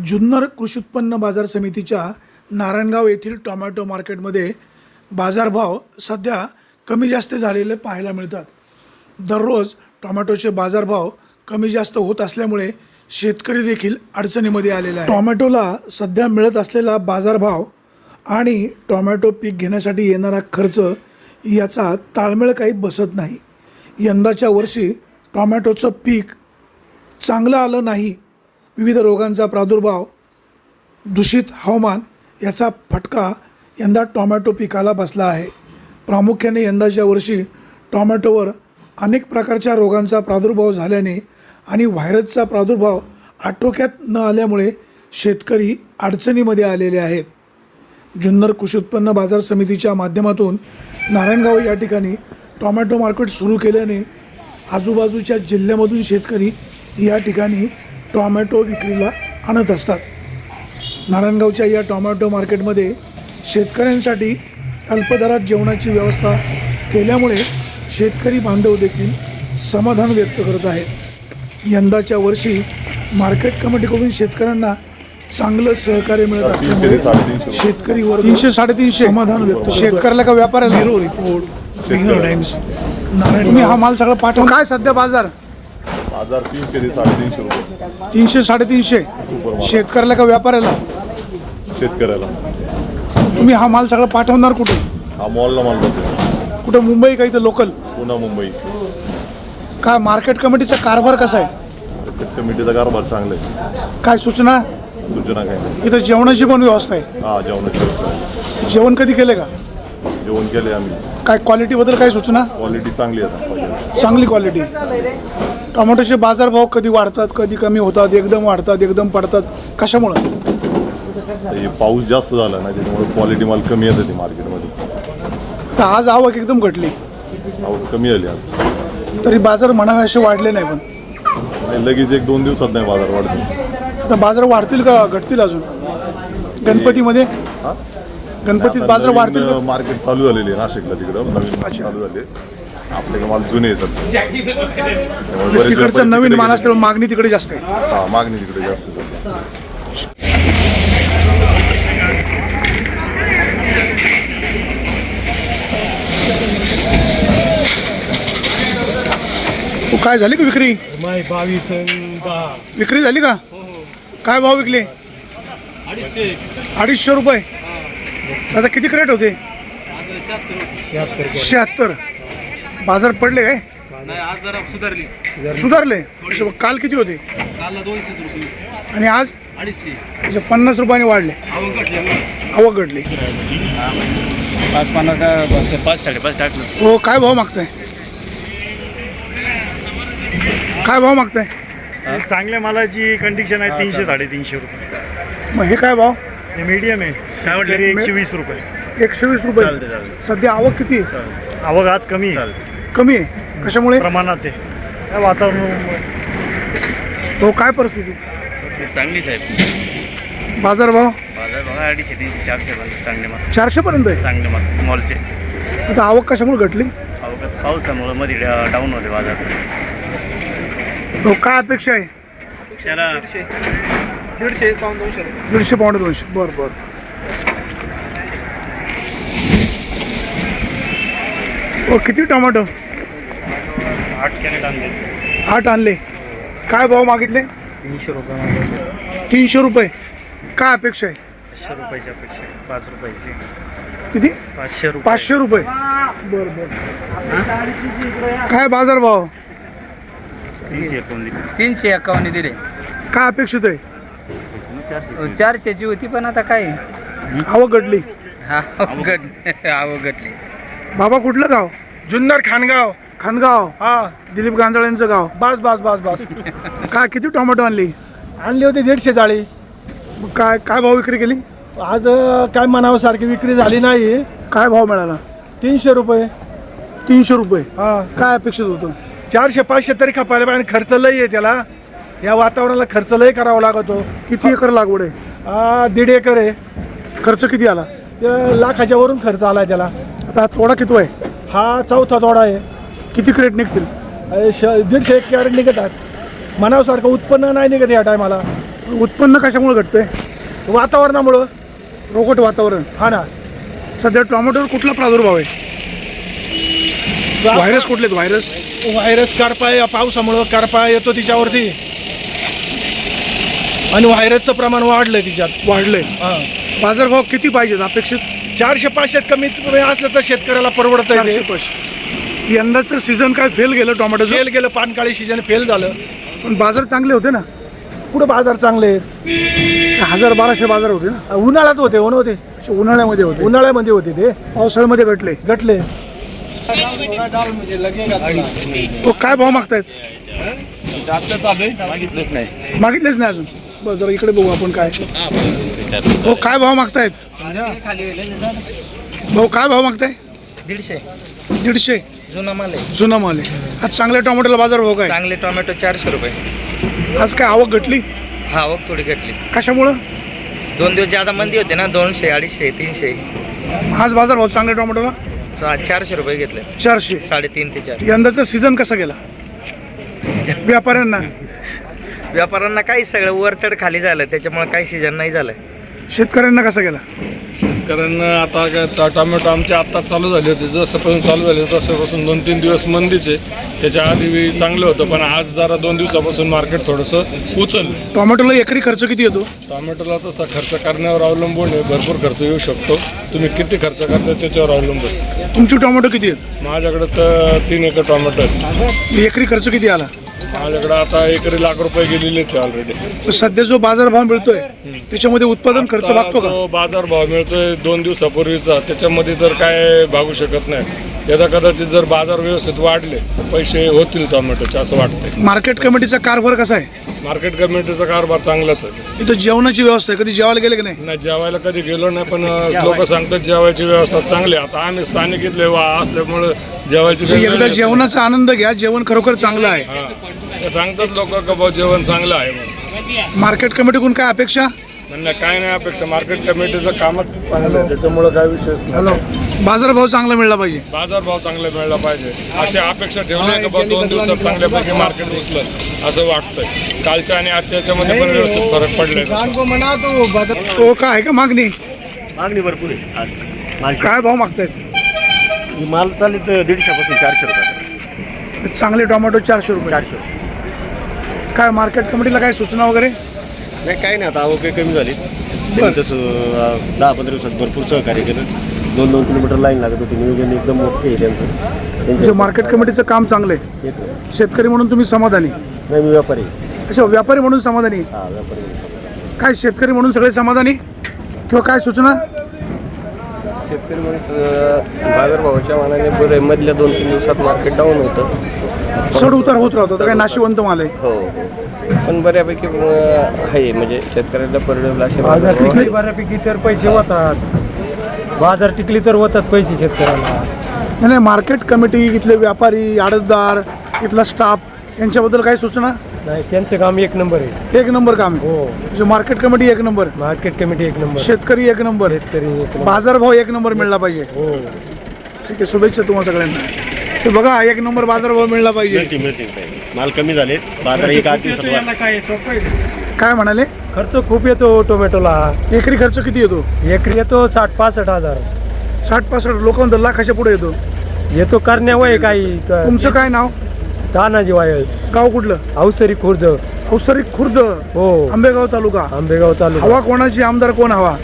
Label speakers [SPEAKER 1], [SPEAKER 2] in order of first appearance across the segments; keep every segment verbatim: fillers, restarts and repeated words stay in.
[SPEAKER 1] जुन्नर कृषी उत्पन्न बाजार समितीच्या नारायणगाव येथील टोमॅटो मार्केटमध्ये बाजारभाव सध्या कमी जास्त झालेले पाहायला मिळतात. दररोज टोमॅटोचे बाजारभाव कमी जास्त होत असल्यामुळे शेतकरी देखील अडचणीमध्ये आलेला आहे. टोमॅटोला सध्या मिळत असलेला बाजारभाव आणि टोमॅटो पीक घेण्यासाठी येणारा खर्च याचा ताळमेळ काही बसत नाही. यंदाच्या वर्षी टोमॅटोचं पीक चांगलं आलं नाही. विविध रोगांचा प्रादुर्भाव, दूषित हवामान याचा फटका यंदा टोमॅटो पिकाला बसला आहे. प्रामुख्याने यंदाच्या वर्षी टोमॅटोवर अनेक प्रकारच्या रोगांचा प्रादुर्भाव झाल्याने आणि व्हायरसचा प्रादुर्भाव आटोक्यात न आल्यामुळे शेतकरी अडचणीमध्ये आलेले आहेत. जुन्नर कृषी उत्पन्न बाजार समितीच्या माध्यमातून नारायणगाव या ठिकाणी टोमॅटो मार्केट सुरू केल्याने आजूबाजूच्या जिल्ह्यामधून शेतकरी या ठिकाणी टोमॅटो विक्रीला आणत असतात. नारायणगावच्या या टोमॅटो मार्केटमध्ये शेतकऱ्यांसाठी अल्पदरात जेवणाची व्यवस्था केल्यामुळे शेतकरी बांधव देखील समाधान व्यक्त करत आहेत. यंदाच्या वर्षी मार्केट कमिटीकडून शेतकऱ्यांना चांगलं सहकार्य मिळत असल्यामुळे शेतकरी वर्ग तीनशे साडेतीनशे समाधान व्यक्त. शेतकऱ्याला का व्यापाऱ्याला? ब्युरो रिपोर्ट, बिगर टाइम्स, नारायण. तुम्ही हा माल सगळं पाठवा. काय सध्या बाजार?
[SPEAKER 2] बाजार तीनशे ते साडेतीनशे रुपये.
[SPEAKER 1] तीनशे साडेतीनशे. शेतकऱ्याला का व्यापाऱ्याला?
[SPEAKER 2] शेतकऱ्याला.
[SPEAKER 1] तुम्ही हा माल सगळं पाठवणार कुठे?
[SPEAKER 2] हा मॉलला माल जातो.
[SPEAKER 1] कुठं? मुंबई का इथं लोकल?
[SPEAKER 2] पुन्हा मुंबई.
[SPEAKER 1] काय मार्केट कमिटीचा कारभार कसा आहे?
[SPEAKER 2] मार्केट कमिटीचा कारभार चांगला आहे.
[SPEAKER 1] काय सूचना
[SPEAKER 2] सूचना काय नाही.
[SPEAKER 1] इथं जेवणाची पण व्यवस्था आहे?
[SPEAKER 2] हा, जेवणाची व्यवस्था आहे.
[SPEAKER 1] जेवण कधी केले का?
[SPEAKER 2] जेवण केले आम्ही.
[SPEAKER 1] काय क्वालिटीबद्दल काय सूचना?
[SPEAKER 2] क्वालिटी चांगली आहे.
[SPEAKER 1] चांगली क्वालिटी. टोमॅटोचे बाजारभाव कधी वाढतात, कधी कमी होतात, एकदम वाढतात, एकदम पडतात, कशामुळं?
[SPEAKER 2] हे पाऊस जास्त झाला ना, त्याच्यामुळे क्वालिटी माल कमी येते ती मार्केटमध्ये.
[SPEAKER 1] आता आज आवक एकदम घटली.
[SPEAKER 2] आवक कमी आली आज.
[SPEAKER 1] तरी बाजार म्हणावे असे वाढले नाही. पण
[SPEAKER 2] आणि लगेच एक दोन दिवसात नाही बाजार वाढतो.
[SPEAKER 1] आता बाजार वाढतील का घटतील अजून? गणपतीमध्ये
[SPEAKER 2] हा,
[SPEAKER 1] गणपतीत बाजार वाढतील का?
[SPEAKER 2] मार्केट चालू झालेली आहे नाशिकला, तिकडं नवीन चालू झाले. आपले माल जुने आहे सध्या.
[SPEAKER 1] तिकडचं नवीन माल असल्यामुळे मागणी तिकडे जास्त आहे.
[SPEAKER 2] हा, मागणी तिकडे जास्त आहे.
[SPEAKER 1] काय झाली का विक्री?
[SPEAKER 3] बावीस
[SPEAKER 1] विक्री झाली का? काय भाव विकले? अडीचशे रुपये. आता किती क्रेट होते? शहात्तर. बाजार पडले काय?
[SPEAKER 3] नाही, आज जरा सुधारली.
[SPEAKER 1] सुधारले. काल किती होते?
[SPEAKER 3] काल दोनशे रुपये
[SPEAKER 1] आणि आज
[SPEAKER 3] अडीचशे.
[SPEAKER 1] म्हणजे पन्नास रुपयाने वाढले.
[SPEAKER 3] आवक घटली.
[SPEAKER 1] आवक घटली.
[SPEAKER 3] पाच पन्नास पाच साडेपाच टाकलं.
[SPEAKER 1] हो. काय भाव मागताय? काय भाव मागताय?
[SPEAKER 3] चांगल्या मालाची कंडिशन आहे तीनशे साडेतीनशे रुपये.
[SPEAKER 1] मग हे काय भाव?
[SPEAKER 3] हे मीडियम आहे. काय म्हटलं? एकशे वीस रुपये.
[SPEAKER 1] एकशे वीस रुपये. सध्या आवक किती आहे?
[SPEAKER 3] आवक आज कमी आहे.
[SPEAKER 1] कमी आहे. कशामुळे?
[SPEAKER 3] प्रमाणात आहे. काय वातावरण.
[SPEAKER 1] हो. काय परिस्थिती?
[SPEAKER 3] चांगलीच आहे.
[SPEAKER 1] बाजार भाव?
[SPEAKER 3] बाजार बघा अडीचशे तीनशे चारशे पर्यंत चांगले माल.
[SPEAKER 1] चारशे पर्यंत आहे.
[SPEAKER 3] चांगले माल मॉलचे.
[SPEAKER 1] आता आवक कशामुळे घटली?
[SPEAKER 3] आवक पावसामुळे मध्ये डाऊन होते बाजार.
[SPEAKER 1] हो. काय अपेक्षा आहे?
[SPEAKER 3] त्याला दीडशे पाऊन दोनशे
[SPEAKER 1] दीडशे पावणे दोनशे. बरं बरं. हो. किती टोमॅटो?
[SPEAKER 3] आठ कॅरेट आणले.
[SPEAKER 1] आठ आणले. काय भाव मागितले?
[SPEAKER 3] तीनशे रुपये.
[SPEAKER 1] तीनशे रुपये. काय अपेक्षा आहे?
[SPEAKER 3] पाचशे रुपयाची अपेक्षा आहे. पाच रुपयाची.
[SPEAKER 1] किती?
[SPEAKER 3] पाचशे रुपये.
[SPEAKER 1] पाचशे रुपये. बरं बरं. काय बाजार भाव?
[SPEAKER 3] तीनशे एकोणीस.
[SPEAKER 4] तीनशे एक्कावन्न दिले.
[SPEAKER 1] काय अपेक्षित आहे?
[SPEAKER 3] चारशे.
[SPEAKER 4] चारशेची होती पण आता काय
[SPEAKER 1] आवक घटली.
[SPEAKER 4] आवघट आवघटली.
[SPEAKER 1] बाबा कुठलं गाव?
[SPEAKER 3] जुन्नर खानगाव.
[SPEAKER 1] खानगाव.
[SPEAKER 3] हा,
[SPEAKER 1] दिलीप गांजाळ्यांचं गाव.
[SPEAKER 3] बस बस बस बस.
[SPEAKER 1] काय किती टोमॅटो आणली?
[SPEAKER 3] आणली होती दीडशे जाळी.
[SPEAKER 1] मग काय काय भाव विक्री केली?
[SPEAKER 3] आज काय म्हणावं सारखी विक्री झाली नाही.
[SPEAKER 1] काय भाव मिळाला?
[SPEAKER 3] तीनशे रुपये.
[SPEAKER 1] तीनशे रुपये.
[SPEAKER 3] हा,
[SPEAKER 1] काय अपेक्षित होतं?
[SPEAKER 3] चारशे पाचशे तरी खपायला पाहिजे. खर्च लई आहे त्याला. या वातावरणाला खर्च लई करावा लागतो.
[SPEAKER 1] किती एकर लागवड आहे?
[SPEAKER 3] हा, दीड एकर आहे.
[SPEAKER 1] खर्च किती आला?
[SPEAKER 3] त्या लाखाच्या वरून खर्च आलाय त्याला.
[SPEAKER 1] आता हा तोडा किती आहे?
[SPEAKER 3] हा चौथा तोडा आहे.
[SPEAKER 1] किती क्रेट निघतील?
[SPEAKER 3] श दीडशे एक कॅरेट निघतात. मनावसारखं उत्पन्न नाही निघत या टायमाला.
[SPEAKER 1] उत्पन्न कशामुळे घटतंय?
[SPEAKER 3] वातावरणामुळं.
[SPEAKER 1] रोगट वातावरण.
[SPEAKER 3] हा ना.
[SPEAKER 1] सध्या टोमॅटोवर कुठला प्रादुर्भाव आहे? व्हायरस कुठले आहेत? व्हायरस
[SPEAKER 3] व्हायरस करपा या पावसामुळं करपा येतो तिच्यावरती आणि व्हायरसचं प्रमाण वाढलंय तिच्यात.
[SPEAKER 1] वाढले.
[SPEAKER 3] हा.
[SPEAKER 1] बाजारभाव किती पाहिजेत अपेक्षित?
[SPEAKER 3] चारशे पाचशेत कमीत कमी असलं तर शेतकऱ्याला परवडत
[SPEAKER 1] चारशे पाचशे. यंदाचं सीझन काय फेल गेलं टोमॅटोचं?
[SPEAKER 3] फेल गेलं, पानकाळी सीजन फेल झालं.
[SPEAKER 1] पण बाजार चांगले होते ना.
[SPEAKER 3] पुढे बाजार चांगले आहेत.
[SPEAKER 1] हजार बाराशे बाजार होते ना.
[SPEAKER 3] उन्हाळ्यात होते ऊन होते
[SPEAKER 1] अच्छा, उन्हाळ्यामध्ये होते.
[SPEAKER 3] उन्हाळ्यामध्ये होते ते
[SPEAKER 1] पावसाळ्यामध्ये घटले.
[SPEAKER 3] गटले.
[SPEAKER 1] हो, काय भाव मागतायत?
[SPEAKER 5] मागितलंच नाही.
[SPEAKER 1] मागितलेच नाही अजून. बरं, जरा इकडे बघू आपण काय. हो, काय भाव मागतायत? भाऊ काय भाव मागताय?
[SPEAKER 4] दीडशे
[SPEAKER 1] दीडशे.
[SPEAKER 4] जुना माल आहे.
[SPEAKER 1] जुना माल आहे. आज चांगल्या टोमॅटोला बाजार भाव काय?
[SPEAKER 4] चांगले टोमॅटो चारशे रुपये.
[SPEAKER 1] आज काय आवक घटली?
[SPEAKER 4] हा आवक थोडी घटली.
[SPEAKER 1] कशामुळं?
[SPEAKER 4] दोन दिवस ज्यादा मंदी होते ना, दोनशे अडीचशे तीनशे.
[SPEAKER 1] आज बाजार भाव चांगल्या टोमॅटोला
[SPEAKER 4] चा- चारशे रुपये घेतले.
[SPEAKER 1] चारशे.
[SPEAKER 4] साडेतीन ते चार.
[SPEAKER 1] यंदाचा सीझन कसा गेला व्यापाऱ्यांना?
[SPEAKER 4] व्यापाऱ्यांना काही सगळं वरचढ खाली झालं, त्याच्यामुळे काही सीजन नाही झालं.
[SPEAKER 1] शेतकऱ्यांना कसा गेला?
[SPEAKER 5] कारण आता काय टा- टोमॅटो आमचे आत्ता चालू झाले होते. जसंपासून चालू झाले तसंपासून दोन तीन दिवस मंदीचे. त्याच्या आधी चांगलं होतं, पण आज जरा दोन दिवसापासून मार्केट थोडंसं उचललं.
[SPEAKER 1] टोमॅटोला एकरी खर्च किती येतो?
[SPEAKER 5] टोमॅटोला तसा खर्च करण्यावर अवलंबून आहे. भरपूर खर्च येऊ शकतो. तुम्ही किती खर्च करता त्याच्यावर अवलंबून.
[SPEAKER 1] तुमची टोमॅटो किती आहेत?
[SPEAKER 5] माझ्याकडे तर तीन एकर टोमॅटो आहेत.
[SPEAKER 1] एकरी खर्च किती आला?
[SPEAKER 5] माझ्याकडे आता एकरी लाख रुपये गेलेलेच आहे ऑलरेडी.
[SPEAKER 1] सध्या जो बाजार भाव मिळतोय त्याच्यामध्ये उत्पादन खर्च
[SPEAKER 5] आता
[SPEAKER 1] भागतो का?
[SPEAKER 5] जो बाजार भाव मिळतोय दोन दिवसापूर्वीचा, त्याच्यामध्ये तर काय भागू शकत नाही. यदा कदाचित जर बाजार व्यवस्थित वाढले तर पैसे होतील टोमॅटोचे असं वाटतंय.
[SPEAKER 1] मार्केट कमिटीचा कारभार कसा आहे?
[SPEAKER 5] मार्केट कमिटीचा कारभार चांगलाच आहे.
[SPEAKER 1] इथं जेवणाची व्यवस्था आहे. कधी जेवायला गेले की नाही?
[SPEAKER 5] नाही, जेवायला कधी गेलो नाही, पण लोक सांगतात जेवायची व्यवस्था चांगली आहे. आता आम्ही स्थानिक इथले वा असल्यामुळं जेवायची
[SPEAKER 1] एकदा जेवणाचा आनंद घ्या. जेवण खरोखर चांगलं आहे.
[SPEAKER 5] हां, ते सांगतात लोक का भाऊ जेवण चांगलं आहे म्हणून.
[SPEAKER 1] मार्केट कमिटीकडून काय अपेक्षा?
[SPEAKER 5] त्यांना काय नाही अपेक्षा. मार्केट कमिटीचं कामच चांगलं आहे, त्याच्यामुळं काय विषयच नाही.
[SPEAKER 1] बाजारभाव चांगला मिळला पाहिजे.
[SPEAKER 5] बाजार भाव चांगला मिळाला पाहिजे अशी अपेक्षा ठेवली का बा दोन दिवसात चांगल्यापैकी मार्केट उचलं असं वाटतंय. कालच्या आणि आजच्या याच्यामध्ये पण व्यवस्थित फरक पडलाय.
[SPEAKER 1] हो, काय आहे का मागणी?
[SPEAKER 6] मागणी भरपूर आहे आज. माल
[SPEAKER 1] काय भाव मागतायत?
[SPEAKER 6] माल चालू तर दीडशेपासून चारशे रुपये.
[SPEAKER 1] चांगले टोमॅटो चारशे रुपये.
[SPEAKER 6] चारशे
[SPEAKER 1] काय मार्केट कमिटीला काय सूचना वगैरे?
[SPEAKER 6] नाही, काही नाही. आता आवक काही कमी झाली. त्यांनी तसं अं, दहा पंधरा दिवसात भरपूर सहकार्य केलं. दोन दोन किलोमीटर लाईन लागत होती. नियोजन एकदम ओके आहे त्यांचं.
[SPEAKER 1] म्हणजे
[SPEAKER 6] त्यांच्या
[SPEAKER 1] मार्केट कमिटीचं काम चांगलं आहे.
[SPEAKER 6] एक-
[SPEAKER 1] शेतकरी म्हणून तुम्ही समाधानी?
[SPEAKER 6] नाही, मी व्यापारी आहे.
[SPEAKER 1] अच्छा, व्यापारी म्हणून समाधानी.
[SPEAKER 6] हा, व्यापारी आहे.
[SPEAKER 1] काय शेतकरी म्हणून सगळे समाधानी किंवा काय सूचना?
[SPEAKER 7] शेतकरी माणूस बाजारभावाच्या मानाने बरं मधल्या दोन तीन दिवसात मार्केट डाऊन होतं.
[SPEAKER 1] चढ उतार होत राहतो. तर काय नाशिवंत माल आहे.
[SPEAKER 7] हो, पण बऱ्यापैकी अं, आहे म्हणजे शेतकऱ्याला परवडेल असे
[SPEAKER 3] बाजार
[SPEAKER 7] बाजारभाव
[SPEAKER 3] टिकली
[SPEAKER 7] आहेत.
[SPEAKER 3] बऱ्यापैकी तर पैसे होतात. बाजार टिकली तर होतात पैसे शेतकऱ्याला.
[SPEAKER 1] नाही नाही, मार्केट कमिटी, इथले व्यापारी, आडतदार, इथला स्टाफ यांच्याबद्दल काही सूचना?
[SPEAKER 3] नाही, त्यांचं काम एक नंबर आहे.
[SPEAKER 1] एक नंबर काम आहे.
[SPEAKER 3] हो,
[SPEAKER 1] म्हणजे मार्केट कमिटी एक नंबर,
[SPEAKER 3] मार्केट कमिटी एक नंबर,
[SPEAKER 1] शेतकरी एक नंबर,
[SPEAKER 3] शेतकरी एक नंबर.
[SPEAKER 1] बाजारभाव एक नंबर मिळला पाहिजे.
[SPEAKER 3] हो,
[SPEAKER 1] ठीक आहे, शुभेच्छा तुम्हाला सगळ्यांना. तर बघा, एक नंबर बाजारभाव मिळला पाहिजे.
[SPEAKER 6] मिळतील मिळतील साहेब. माल कमी झाले. बाजार एक आठ दिवसात वाढ-
[SPEAKER 3] काय सोपं आहे.
[SPEAKER 1] काय म्हणाले?
[SPEAKER 3] खर्च खूप येतो टोमॅटोला.
[SPEAKER 1] एकरी खर्च किती येतो?
[SPEAKER 3] एकरी येतो साठ पासष्ट हजार.
[SPEAKER 1] साठ पासष्ट लोक म्हणतात लाखाच्या पुढे येतो.
[SPEAKER 3] येतो करण्यावय काही.
[SPEAKER 1] तुमचं काय नाव?
[SPEAKER 3] तानाजी वायल,
[SPEAKER 1] गाव कुठलं?
[SPEAKER 3] अवसरी खुर्द.
[SPEAKER 1] अवसरी खुर्द,
[SPEAKER 3] हो,
[SPEAKER 1] आंबेगाव तालुका.
[SPEAKER 3] आंबेगाव तालुका.
[SPEAKER 1] हवा कोणाची? आमदार कोण हवा?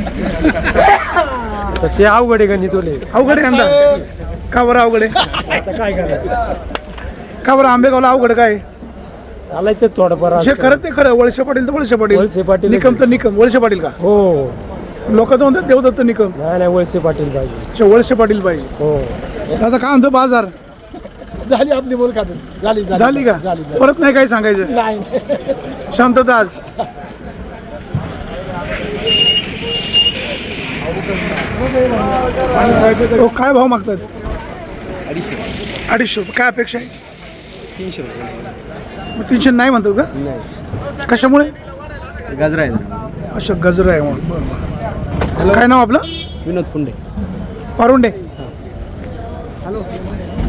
[SPEAKER 3] तर ते अवघड आहे गणितोले.
[SPEAKER 1] अवघड आहे आमदार. का बरं अवघड आहे?
[SPEAKER 3] आता काय करायचं?
[SPEAKER 1] का बरं आंबेगावला अवघड काय?
[SPEAKER 3] चालायचं थोडंफार.
[SPEAKER 1] जे खरं ते खरं. वळसे पाटील तर वळसे
[SPEAKER 3] वळसे
[SPEAKER 1] पाटील,
[SPEAKER 3] पाटील.
[SPEAKER 1] निकम तर निकम. वळसे पाटील का?
[SPEAKER 3] हो,
[SPEAKER 1] लोक तर म्हणतात देवदत्त निकम.
[SPEAKER 3] नाही नाही, वळसे पाटील पाहिजे.
[SPEAKER 1] अच्छा, वळसे पाटील पाहिजे.
[SPEAKER 3] हो,
[SPEAKER 1] दादा काय म्हणतो बाजार?
[SPEAKER 3] झाली आपली बोल खात झाली
[SPEAKER 1] झाली का? परत नाही काय सांगायचं?
[SPEAKER 3] नाही.
[SPEAKER 1] शांतता आज. हो, काय भाव मागतात? अडीचशे रुपये. काय अपेक्षा आहे?
[SPEAKER 7] तीनशे रुपये.
[SPEAKER 1] मग तीनशे नाही म्हणतात का? कशामुळे?
[SPEAKER 7] गाजरा आहे.
[SPEAKER 1] अच्छा, गजरा आहे म्हणून. बरं बरं. काय नाव आपलं?
[SPEAKER 7] विनोद पुंडे.
[SPEAKER 1] पारुंडे.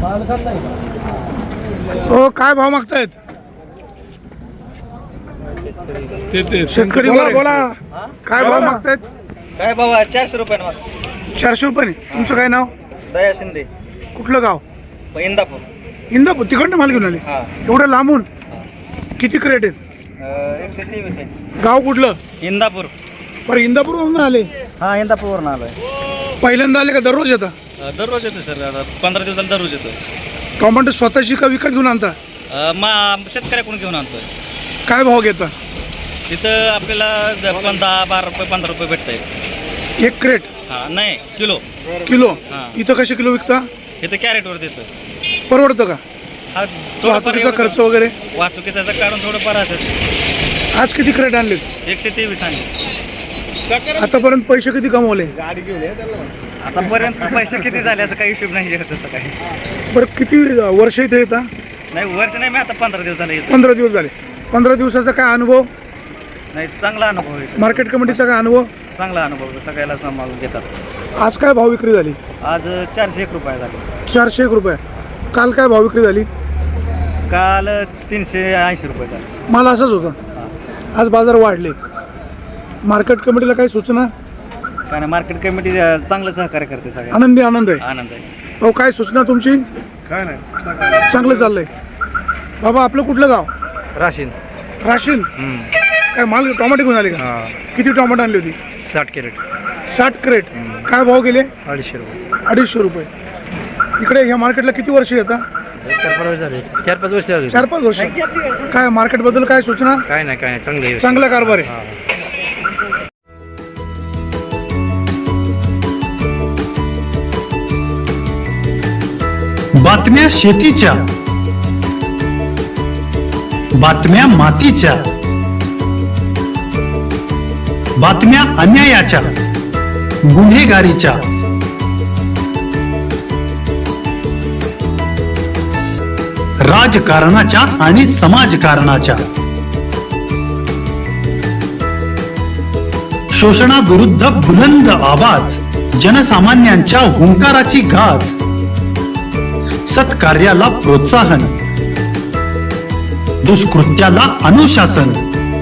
[SPEAKER 1] हो, काय भाव मागतायत?
[SPEAKER 5] ते ते
[SPEAKER 3] शेतकरी बोला बोला काय भाव मागतायत?
[SPEAKER 4] काय बाबा चारशे रुपयानं माग
[SPEAKER 3] चारशे रुपयाने. तुमचं काय नाव?
[SPEAKER 4] दया शिंदे
[SPEAKER 3] कुठलं गाव?
[SPEAKER 4] इंदापूर.
[SPEAKER 3] इंदापूर. तिकडनं माल घेऊन आले
[SPEAKER 4] हा
[SPEAKER 3] एवढं लांबून? किती क्रेट आहेत?
[SPEAKER 4] एकशे तेवीस आहे.
[SPEAKER 3] गाव कुठलं?
[SPEAKER 4] इंदापूर.
[SPEAKER 3] पर इंदापूरवरून आले?
[SPEAKER 4] हा इंदापूरवरून आलोय.
[SPEAKER 3] पहिल्यांदा आले का दररोज येता?
[SPEAKER 4] दररोज येतो सर, आता पंधरा दिवसाला दररोज येतो.
[SPEAKER 3] टोमॅटो स्वतःची का विकत घेऊन आणता?
[SPEAKER 4] मा शेतकऱ्याकडून घेऊन आणतोय.
[SPEAKER 3] काय भाव घेता?
[SPEAKER 4] तिथं आपल्याला पंधरा बारा रुपये पंधरा रुपये भेटत आहे.
[SPEAKER 3] एक क्रेट?
[SPEAKER 4] हा नाही किलो.
[SPEAKER 3] किलो?
[SPEAKER 4] हा.
[SPEAKER 3] इथं कसे किलो विकता?
[SPEAKER 4] इथं कॅरेटवर देतोय.
[SPEAKER 3] परवडतं का?
[SPEAKER 4] हा
[SPEAKER 3] वाहतुकीचा खर्च वगैरे?
[SPEAKER 4] वाहतुकीचा काढून थोडं परत.
[SPEAKER 3] आज किती क्रेट आणले?
[SPEAKER 4] एकशे तेवीस आणि
[SPEAKER 3] आतापर्यंत पैसे किती कमवले?
[SPEAKER 4] आतापर्यंत पैसे किती झाले असं काही हिशोब नाही तसं काही.
[SPEAKER 3] बरं किती वर्ष इथे येता?
[SPEAKER 4] नाही वर्ष नाही, मी आता पंधरा दिवस झाले येतो.
[SPEAKER 3] पंधरा दिवस झाले. पंधरा दिवसाचा काय अनुभव?
[SPEAKER 4] नाही चांगला अनुभव आहे.
[SPEAKER 3] मार्केट कमिटीचा काय अनुभव?
[SPEAKER 4] चांगला अनुभव सगळ्याला सांभाळून घेतात.
[SPEAKER 3] आज काय भाव विक्री झाली?
[SPEAKER 4] आज चारशे एक रुपये झाले.
[SPEAKER 3] चारशे एक रुपये. काल काय भाव विक्री झाली?
[SPEAKER 4] काल तीनशे ऐंशी रुपये झाले.
[SPEAKER 3] माल असाच होता. आज बाजार वाढले. मार्केट कमिटीला काही सूचना?
[SPEAKER 4] काय नाही, मार्केट कमिटी चांगलं सहकार्य करते सगळ्या.
[SPEAKER 3] आनंदी आनंद आहे.
[SPEAKER 4] आनंद आहे.
[SPEAKER 3] अहो काय सूचना तुमची?
[SPEAKER 5] काय नाही
[SPEAKER 3] चांगलं चाललंय. बाबा आपलं कुठलं गाव?
[SPEAKER 4] राशीन.
[SPEAKER 3] राशीन. काय माल टोमॅटो घेऊन आले का? किती टोमॅटो आणली होती?
[SPEAKER 4] साठ कॅरेट.
[SPEAKER 3] साठ क्रेट. काय भाव गेले?
[SPEAKER 4] अडीचशे रुपये.
[SPEAKER 3] अडीचशे रुपये. इकडे ह्या मार्केटला किती वर्ष येतात?
[SPEAKER 4] चार पाच वर्ष झाले. चार पाच वर्ष झाले.
[SPEAKER 3] चार पाच वर्ष. काय मार्केटबद्दल काय सूचना?
[SPEAKER 4] काय नाही काय नाही चांगलं आहे.
[SPEAKER 3] चांगला कारभार आहे.
[SPEAKER 8] बातम्या शेतीच्या, बातम्या मातीच्या, बातम्या अन्यायाच्या, गुन्हेगारीच्या, राजकारणाच्या आणि समाजकारणाच्या, शोषणाविरुद्ध बुलंद आवाज, जनसामान्यांच्या हुंकाराची गाज, सत्कार्याला प्रोत्साहन, दुष्कृत्याला अनुशासन,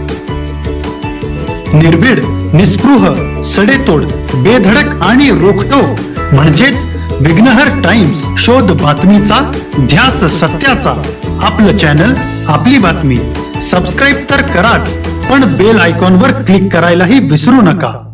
[SPEAKER 8] निर्भीड, निस्पृह, सडेतोड, बेधडक आणि रोखटोक म्हणजेच विघ्नहर टाइम्स. शोध बातमीचा, ध्यास सत्याचा. आपलं चॅनल, आपली बातमी. सबस्क्राईब तर कराच, पण बेल आयकॉनवर क्लिक करायलाही विसरू नका.